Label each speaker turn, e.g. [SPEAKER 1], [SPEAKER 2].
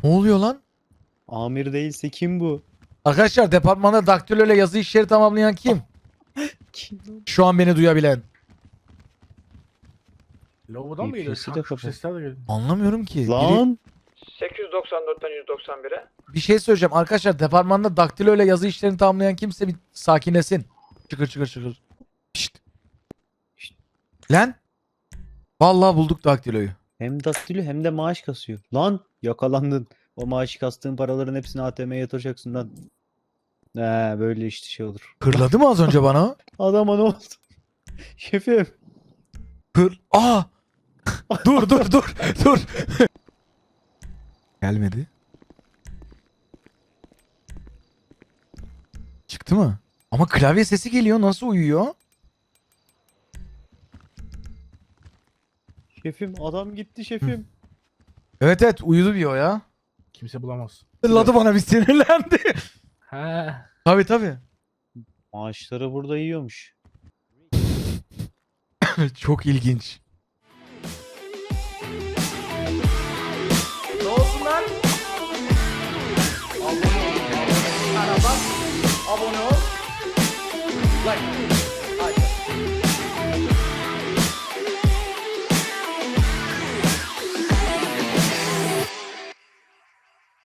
[SPEAKER 1] Ne oluyor lan?
[SPEAKER 2] Amir değilse kim bu?
[SPEAKER 1] Arkadaşlar departmanda daktilo ile yazı işleri tamamlayan kim?
[SPEAKER 2] Kim lan?
[SPEAKER 1] Şu an beni duyabilen.
[SPEAKER 3] Lavabodan mı geliyor?
[SPEAKER 2] UPS'i de
[SPEAKER 3] Şak şuk
[SPEAKER 2] kapat.
[SPEAKER 3] sesler de geliyor.
[SPEAKER 1] Anlamıyorum ki. Biri-
[SPEAKER 2] Lan
[SPEAKER 4] 894'ten 191'e.
[SPEAKER 1] bir şey söyleyeceğim. Arkadaşlar departmanda daktilo ile yazı işlerini tamamlayan kimse bir sakinlesin. Çıkır çıkır çıkır. Şşt.
[SPEAKER 2] Şşt.
[SPEAKER 1] Lan. Vallahi bulduk daktiloyu.
[SPEAKER 2] hem daktilo hem de maaş kasıyor. Lan yakalandın. O maaşı kastığın paraların hepsini ATM'ye yatıracaksın lan. Böyle işte şey olur.
[SPEAKER 1] Hırladı mı az önce bana?
[SPEAKER 2] Adama ne oldu? Şefim.
[SPEAKER 1] Aa! Dur dur dur dur. Gelmedi. Çıktı mı? Ama klavye sesi geliyor. Nasıl uyuyor?
[SPEAKER 2] Şefim adam gitti şefim.
[SPEAKER 1] Evet evet uyudu diyor ya.
[SPEAKER 3] Kimse bulamaz.
[SPEAKER 1] Hırladı bana bir sinirlendi.
[SPEAKER 3] He.
[SPEAKER 1] Tabii tabii.
[SPEAKER 2] Maaşları burada yiyormuş.
[SPEAKER 1] Çok ilginç.
[SPEAKER 4] Ne olsun lan? Abone ol. Abone ol. Like.